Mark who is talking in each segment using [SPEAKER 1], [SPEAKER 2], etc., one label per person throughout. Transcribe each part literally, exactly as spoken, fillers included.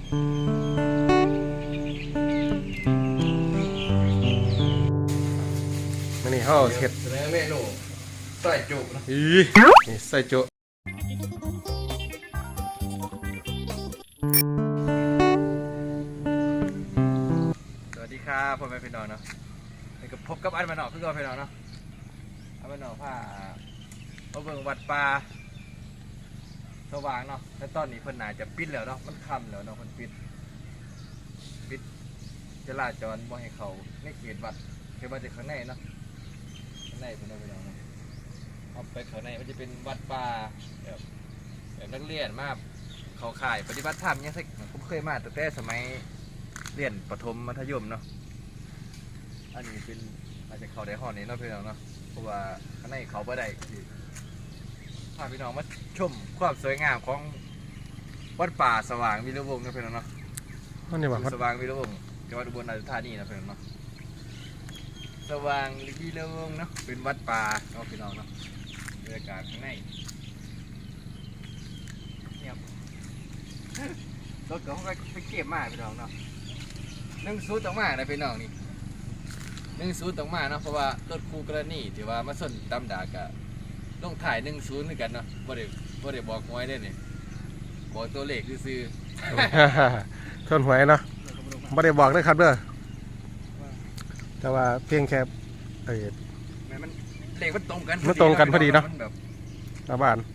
[SPEAKER 1] มันนี่เขาเห็ดเมนูใส่จุนะอีนี่ใส่จุสวัสดีครับพ่อแม่พี่น้องเนาะนี่ก็พบกับอันมาหนอกคือก่อนพี่น้องเนาะอันมาหนอกผ้ามาเบิ่งวัดป่าสว่างเนาะแต่ตอนนี้เพิ่นน่าจะปิดแล้วเนาะมันค่ำแล้วเนาะเพิ่นปิดปิดจราจรบ่ให้เขาในเขตวัดเขตวัดจะข้างในเนาะข้างในเพิ่นเอาไปเอาเนาะเอาไปข้างในมันจะเป็นวัดป่าแบบแบบนักเรียนมาเขาข่ายปฏิบัติธรรมเนี่ยสิผมเคยมาแต่แต่สมัยเรียนประถมมัธยมเนาะอันนี้เป็นอาจจะเขาได้ห้องนี้เนาะพี่น้องเนาะเพราะว่าข้างในเขาบ่ได้พาพี่น้องมาชมความสวยงามของวัดป่าสว่างวีระวงศ์นะพี่น้องเนาะวัดสว่างวีระวงศ์จังหวัดอุบลราชธานีนะพี่น้องเนาะสว่างวีระวงศ์เนาะเป็นวัดป่าเนาะพี่น้องเนาะบรรยากาศข้างในเนี่ยรถก็เขาไปเก็บมาพี่น้องเนาะนึ่งซูตรงมานะพี่น้องนี่นึ่งซูตรงมาเนาะเพราะว่ารถคู่กรณีที่ว่ามาส้นตำดากะต้องถ่ายหนึ่งศูนย์เหมือนกันเนาะบ่ได้บ่ได้บอกหวยได้เนี่ยบอกตัวเลขซื้อ
[SPEAKER 2] ชนหวยเนาะบ่ได้บอกได้ครับเด้อแต่ว่าเพียงแค่เออ
[SPEAKER 1] มันเลขมันตรงกัน
[SPEAKER 2] มันตรงกันพอดีเนาะชาวบ้าน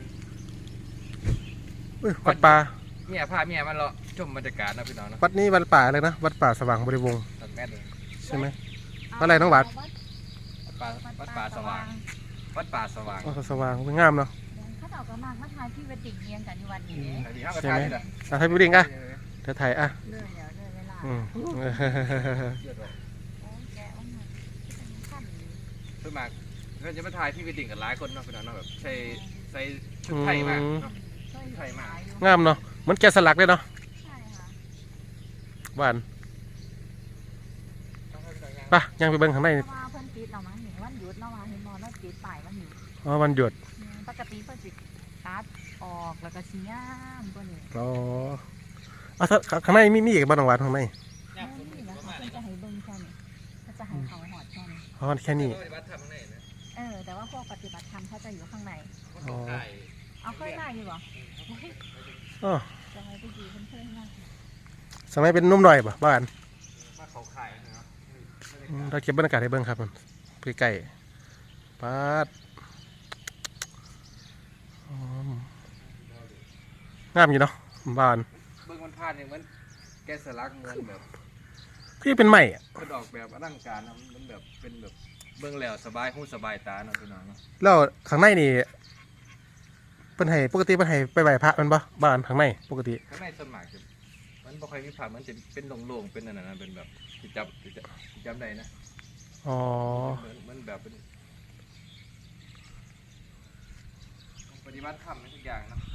[SPEAKER 2] วัดป่า
[SPEAKER 1] เมียพาเมียมันเลาะชมบรรยากาศนะพี่น้องเนาะ
[SPEAKER 2] วัดนี้วัดป่าอะไรนะวัดป่าสว่างบริวงศ์ใช่ไหมวัดอะไรน้องวัด
[SPEAKER 1] วัดป่าวัดป่าสว่างวัดป่าสว่าง
[SPEAKER 2] วัดสว่างงามเนาะ
[SPEAKER 3] เขาเอากระมังมาถ่ายที่เวดดิ้งเรียนกันในวันนี้
[SPEAKER 2] ใช่ไหมถ่ายพี่ดิ้งอ่ะเดี๋ยวถ่ายอ่ะ
[SPEAKER 3] เลื่อยเดี๋ยวเลื่อยเวลา
[SPEAKER 2] อืม
[SPEAKER 1] เพื่อมาเพื่อจะมาถ่ายที่เวดดิ้งกันหลายคนเนาะพี่น้องเนาะแบบใส่ใส่ชุดไทยมากเนาะไทยมาก
[SPEAKER 2] งามเนาะเหมือนแกะสลักเลยเนาะ
[SPEAKER 3] ใช่ค่ะ
[SPEAKER 2] หวานป่ะยังไปเบิ่งข้างใน
[SPEAKER 3] เพิ่นปิดเรามั้งเห็นวันหยุดเราเห็นมอเราปิดป้ายวันหยุด
[SPEAKER 2] อ๋อวันหยุด
[SPEAKER 3] ปกติเพิ่นสิตัดออกแล้วก็สีงามตัวนี้
[SPEAKER 2] อ๋ออ่ะข้างในมีมีอีกบ้านหวานข้างใน
[SPEAKER 3] นี่นะคะเพิ่นจะให้เบิ่งแค่นี้เขาจะให้เขาหอดแค่นี้
[SPEAKER 2] หอดแค่นี้
[SPEAKER 3] เออแต่ว่าพวกปฏิบัติธรรมเขาจะอยู่ข้างใน
[SPEAKER 2] อ๋อ
[SPEAKER 3] เอาเคยได้อยู่บ่
[SPEAKER 2] อ๋อ
[SPEAKER 3] จะให้ไปอยู่เพิ่นเคยได้
[SPEAKER 2] สมัยเป็นนุ่มหน่อยป่ะบ้าน
[SPEAKER 1] มาเขาขายเนาะ
[SPEAKER 2] เราเก็บบรรยากาศให้เบิ่งครับมันใกล้ๆปาดงามอยู่เนาะบ้าน
[SPEAKER 1] เบิ่งมันพลาดเนี่ยมันแกะสลักเงินแบบ
[SPEAKER 2] ที่เป็นใหม่
[SPEAKER 1] กระดอกแบบอลังการนะมันแบบเป็นแบบเบิ่งแล้วสบายหูสบายตาเนาะพี่น้องเนาะ
[SPEAKER 2] แล้วข้างในนี่เป็นไห้ปกติเป็นไห้ไปไหว้พระมันปะบ้านข้างในปกติ
[SPEAKER 1] ข้างในส่วนมากมันบ่ค่อยมีผ้ามันจะเป็นโล่งๆเป็นนั่นน่ะเป็นแบบที่จับที่จับได้นะ
[SPEAKER 2] อ๋อ
[SPEAKER 1] มันแบบเป็นปฏิบัติธรรมทุกอย่างนะ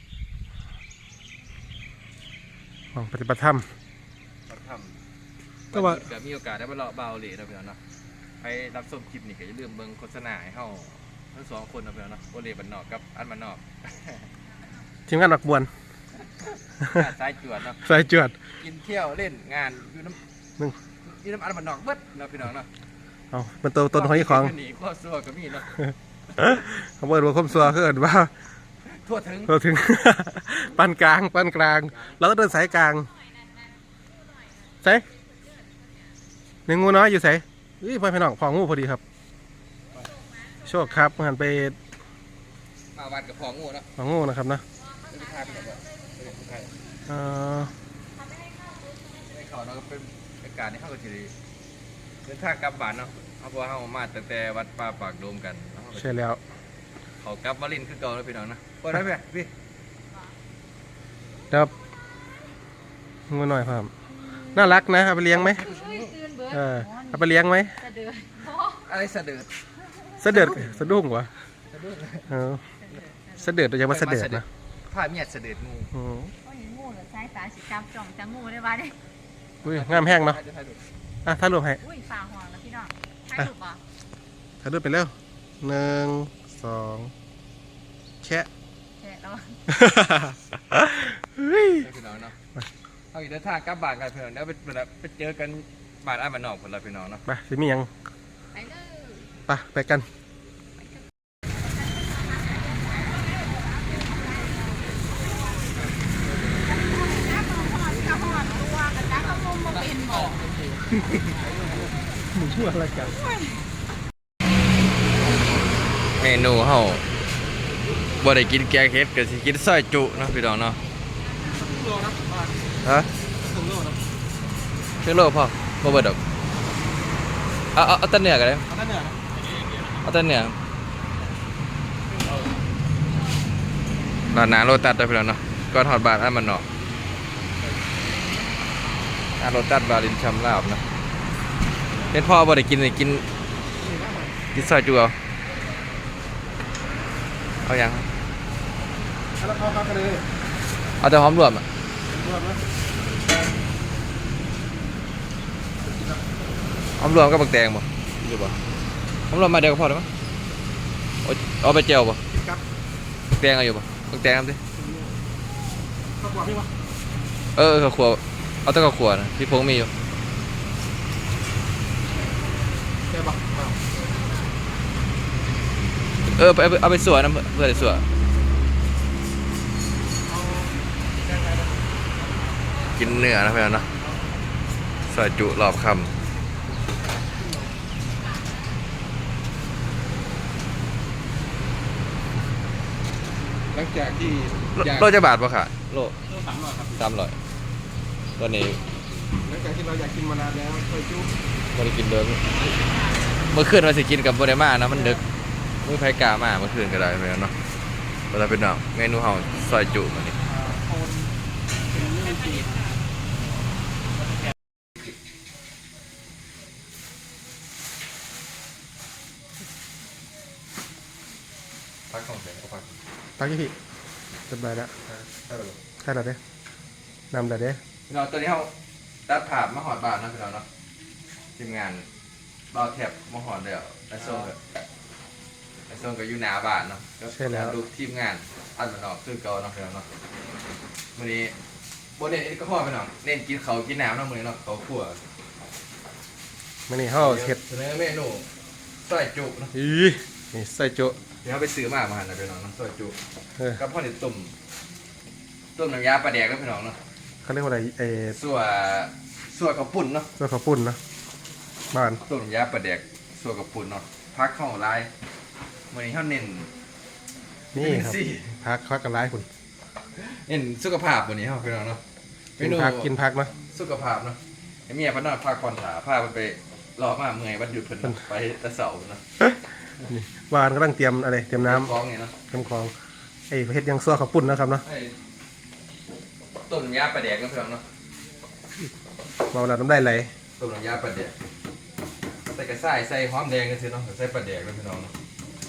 [SPEAKER 2] ปฏิบัติธรรม
[SPEAKER 1] ปฏิบัติธรรม
[SPEAKER 2] ก็ว่า
[SPEAKER 1] เกิดมีโอกาสได้มาเลาะเบาเลยนะพี่น้องเนาะไปรับชมคลิปนี่ก็อย่าลืมเบิ่งโฆษณาให้เฮาทั้งสองคนนะพี่น้องเนาะโอเลบันนอกกับอันบันนอก
[SPEAKER 2] ทีมงานหนักบวน
[SPEAKER 1] สายจวดเนาะ
[SPEAKER 2] สายจวด
[SPEAKER 1] กินเที่ยวเล่นงานอยู่น้ำนึงอยู่น้ำอันบันนอกเบิดเนาะพี่น้องเนาะ
[SPEAKER 2] เอาเป็นตัวต้นหอยของ
[SPEAKER 1] นี่ข้อซัวก็มีเนาะ
[SPEAKER 2] เขาเปิดว่าคมซัวคือเอิ้นว่า
[SPEAKER 1] ทั่วถึง
[SPEAKER 2] ทั่วถึงปานกลางปานกลางแล้วก็เดินสายกลางใส่หนึ่งงูน้อยอยู่ใส่อุ้ยพ่อพี่น้องพองูพอดีครับโชคครับหันไป
[SPEAKER 1] มาวันกับพองูเนาะ
[SPEAKER 2] พองูนะครับนะเออ
[SPEAKER 1] ในเขาเนาะเป็นอากาศที่เข้ากับทีดีเดินทางกลับบ้านเนาะเอาพอเข้ามาตั้งแต่วัดป่าปากโดมกัน
[SPEAKER 2] ใช่แล้ว
[SPEAKER 1] เขากลับวารินคือเก่าแล้วพี่น้องนะพอได้ไหมพี่
[SPEAKER 2] ครับงูหน่อยครับน่ารักนะเอาไปเลี้ยงไหมเออเอาไปเลี้ยงไหม
[SPEAKER 1] อะไรสะเดิด
[SPEAKER 2] สะเดิดสะดุ้งวะเออสะเดิดเราจะมาสะเดิดนะ
[SPEAKER 1] ผ้าเมียดสะเดิดงู
[SPEAKER 3] โอ้ยงูเหรอใช้สายสีจำจ่องจะงูได้บ้าเนี่ย
[SPEAKER 2] อุ้ยงามแห้งเนาะอ่ะถ่ายรูปให้
[SPEAKER 3] อุ้ยฝ่าห่วงแล้วพี่น้องถ่ายรูปป่ะ
[SPEAKER 2] ถ่ายรูปไปเร็วหนึ่งสองแชะ
[SPEAKER 3] แชะแล้ว
[SPEAKER 1] พี่น้องเนาะเขาอีกเดินทางกลับบ้านกันพี่น้องแล้วไปไปเจอกันบ้านอ้ายบ้านนอกคนละพี่น้องเนาะ
[SPEAKER 2] ไปสิมีหยัง
[SPEAKER 3] ไปเลย
[SPEAKER 2] ไปไปกัน มึงชั่วอะไรกัน
[SPEAKER 1] เมนูเฮาบ่ได้กินแกงเฮ็ดก็สิกินซอยจุเนาะพี่น้องเนาะฮะครึ่งโลพอบ่เบิดดอกเอาเอาเอาแต่เนื้อก็ได้เอาแต่เนื้อร้านหน้าโลตัสเด้อพี่น้องเนาะก่อนฮอดบ้านอ้ายบ้านนอกร้านโลตัสบาลินชำลาบเนาะเห็นพ่อบ่ได้กินนี่กินกินซอยจุเอาเอายัง
[SPEAKER 2] แล้วเข้ากันเลย
[SPEAKER 1] เอาแต่หอมรวมอ่ะ
[SPEAKER 2] รวมนะ
[SPEAKER 1] หอมรวมกับบักแตงบ่อยู่บ่หอมรวมมาเดียวก็พอแล้วมั้งเอาเอาไปเจียวบ่
[SPEAKER 2] กินกับ
[SPEAKER 1] บักแตงเอาอยู่บ่บักแตงทำดิ
[SPEAKER 2] ข้าวกวาดพี่วะ
[SPEAKER 1] เออข้าวคั่วเอาแต่ข้าวคั่วนะพี่พงมีอยู่
[SPEAKER 2] แกบอกอ้าว
[SPEAKER 1] เออไปเอาไปเอาไปสวนนะเพื่อได้สวน
[SPEAKER 2] เอาแกงไทยนะ
[SPEAKER 1] กินเนื้อนะเพื่อนเนาะซอยจุรอบค
[SPEAKER 2] หลังจากที่
[SPEAKER 1] ำโลจะบาทป่ะค่ะโล
[SPEAKER 2] สามร้อยครับ
[SPEAKER 1] สามร้อยตอนนี้
[SPEAKER 2] หลังจากที่เราอยากกินมานานแล้วเคยจุ๊บ
[SPEAKER 1] บ่ได้กินเดิมเมื่อคืนว่าสิกินกับบ่ได้มานะมันดึกมื้อไผกล้ามาเมื่อคืนก็ได้เพื่อนเนาะเวลาเป็นน้องเมนูเฮาซอยจุมื้อนี้
[SPEAKER 2] โอนเป็นเรื่องจีน
[SPEAKER 1] พักของเสียงก็พัก
[SPEAKER 2] ตักยี่พี่สบายแล้วใช่แล้วเด้นำแล้วเด้
[SPEAKER 1] พี่น้องตัวนี้เขาตัดผ่ามาหอดบาทนะพี่น้องเนาะทีมงานเราแถบมาหอดเดียวไอโซนกับไอโซนกับยูหนาบาทเนาะก็ดูทีมงานอันมันออกคือเก่าเนาะพี่น้องเนาะวันนี้บนเน้นก็พอพี่น้องเน้นกินเขากินน้ำเนาะมื้อนี้เนาะเขาขั่ว
[SPEAKER 2] มันนี่ห่อเห็ด
[SPEAKER 1] เสนอเมนูซอยจุเนาะ
[SPEAKER 2] อีนี่ใส่โจ๊ะ
[SPEAKER 1] เดี๋ยวเขาไปซื้อมามาหันนะพี่น้องเนาะซอยจุ
[SPEAKER 2] เออ
[SPEAKER 1] กับพ่อเนี่ยตุ่มตุ่มน้ำยาปลาแดกแล้วพี่น้องเนาะ
[SPEAKER 2] เขาเรียกว่าอะไรเออ
[SPEAKER 1] ส่วนส่วนข้าวปุ้นเนาะ
[SPEAKER 2] ตัวข้าวปุ้นนะบ้าน
[SPEAKER 1] ต้มยาปลาแดกส่วนกับปุ่นเนาะพักเข้าลายวันนี้เขาเน้น
[SPEAKER 2] นี่ครับ
[SPEAKER 1] สิ
[SPEAKER 2] พักพักกันร้ายคุณ
[SPEAKER 1] เน้นสุขภาพวันนี้เขาพี่น้องเนาะเม
[SPEAKER 2] กิน
[SPEAKER 1] นู
[SPEAKER 2] พักกินพักนะ
[SPEAKER 1] สุขภาพเนาะไอ้เมียพันนอนพักผ่อนขาพามันไปรอมาเมื่อยวันหยุดเพิ่นเนาะไปแตะเสาร์เนาะ
[SPEAKER 2] นี่บ้านกำลังเตรียมอะไรเตรียมน้
[SPEAKER 1] คล้องเนี่ยเนาะ
[SPEAKER 2] ำเตรียมของไอ้เห็ดยังซัวข้าวปุ้นนะครับเนาะ
[SPEAKER 1] ไอ้ต้มยาปลาแดกนะพี่น้องเนาะ
[SPEAKER 2] มาเวลาน้ำได้ไหล
[SPEAKER 1] ต้มยาปลาแดกใส่กระส่ายใส่หอมแดงกันสิเนาะใส่ปลาแดกนะพี่น้องเนาะ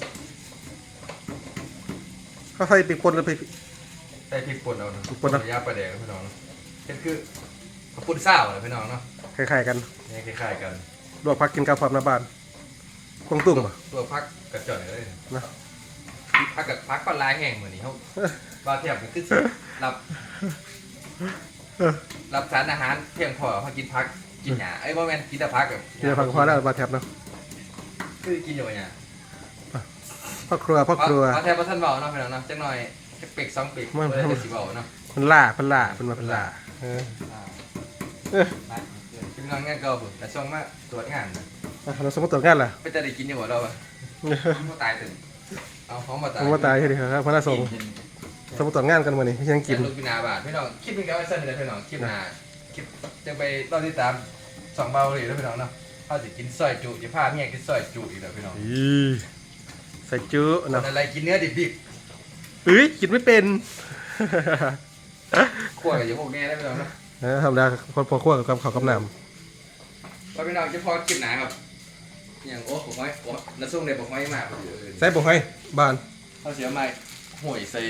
[SPEAKER 2] เขาใส่ปีกป่นหรือปีก
[SPEAKER 1] ใส่พริกป่นเอาเนาะ
[SPEAKER 2] พริกป่นเนาะ
[SPEAKER 1] ต้มยาปลาแดกนะพี่น้องเนาะเป็นคือข้าวปุ้นซ่าวนะพี่น้องเนาะ
[SPEAKER 2] คล้ายๆกัน
[SPEAKER 1] เนี่ยคล้ายๆกัน
[SPEAKER 2] ลวกพักกินกับความน้ำบ้านกวางตุ้งป่ะ
[SPEAKER 1] ตัวพักกระจ่อยเลย
[SPEAKER 2] นะ
[SPEAKER 1] พักกับพักปลาลายแห้งเหมือนนี้เขาบาเทียบมันคือรับ
[SPEAKER 2] เออ
[SPEAKER 1] รับสารอาหารเพียงพอเขากินพักกินหยาไอ้ยบ่แม่นกินแต่พักกับ
[SPEAKER 2] เดี๋ยวพักพอแล้วมาแทบเนาะ
[SPEAKER 1] คือกินอยู่หยา
[SPEAKER 2] พ่อครัวพ่อครัว
[SPEAKER 1] เอาแทบบ่ทันเบาเนาะพี่น้องเนาะจักหน่อยจักเป็กสองเป็ก
[SPEAKER 2] มัน
[SPEAKER 1] บ่ได้แต่สิเบาเนาะ
[SPEAKER 2] เพันล่าเพันล่าเป็นมาเพันล่าเออ
[SPEAKER 1] อ่า
[SPEAKER 2] เออ
[SPEAKER 1] มาพี่น้องงานเก่าพุ่นแต่ส่งมาตรวจงาน
[SPEAKER 2] อ่ะเราสมมติตัวจงานล่ะ
[SPEAKER 1] ไปจะได้กินอยู่บ่เราอ่ะบ่ตายถึงเอาหอมบ่ตาย
[SPEAKER 2] ผมว่าตายแค่นี้ครับพระราสงฆ์สมมติตัวจงานกันวันนี้ยังกิน
[SPEAKER 1] ลูกพินาบาทพี่น้องคลิปนึงก็ไว้สั้นเลยพี่น้องคลิปหน้าคลิปจะไปตอนที่ตามสองเบาเลยแล้วพี่น้องเนาะเขาสิกินซอยจุจะพาเมียกินซอยจุอีกแล้วพี่น้อง
[SPEAKER 2] อีใส่จุ
[SPEAKER 1] คน
[SPEAKER 2] เนาะ
[SPEAKER 1] อะไรกินเนื้อดิบ
[SPEAKER 2] เอ้ยกินไม่เป็น
[SPEAKER 1] ๆคั่วกับอย่างพวกนี้ได้พี่น้องเนาะ
[SPEAKER 2] เออทำได้คนพอคั่วกับข้าวกับน้
[SPEAKER 1] ว่าพี่น้องจะพอคลิปหนาครับอย่างโอ้ผมไว้โอ้น้าซุ่งเนี่ยผมไว้มากกว่าเอื่น
[SPEAKER 2] ำใส่บุกให้บ้าน
[SPEAKER 1] เขาเสียมาห่วยใส่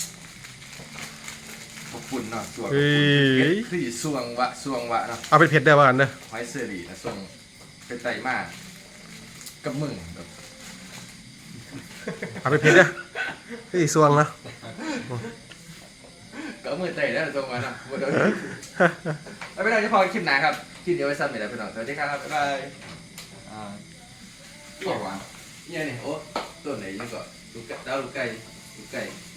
[SPEAKER 1] ขอบคุณเนาะส่วน
[SPEAKER 2] เอ้ย
[SPEAKER 1] คือส่วงวะส่วงวะเนาะ
[SPEAKER 2] เอาไปเผ็ดได้บ้านเด้อ
[SPEAKER 1] ไว้เสื้อดีนะส่งเป็นไตมากกับมึงแบบ
[SPEAKER 2] เอาไปเผ็ดเด้อไอ้ยสวงนะ
[SPEAKER 1] กับเอามือเตะแล้วตรงมาเนาะบ่โดนแล้วไปนอนที่พอคลิปหนาครับคลิปเดียวไว้ซ้ำอีกแล้วไปนอนสวัสดีครับบ๊ายบายอ่าบอกว่าเนี่ยนี่โอ้ตัวไหนยังก็ลูกไก่ดาวลูกไก่ลูกไก่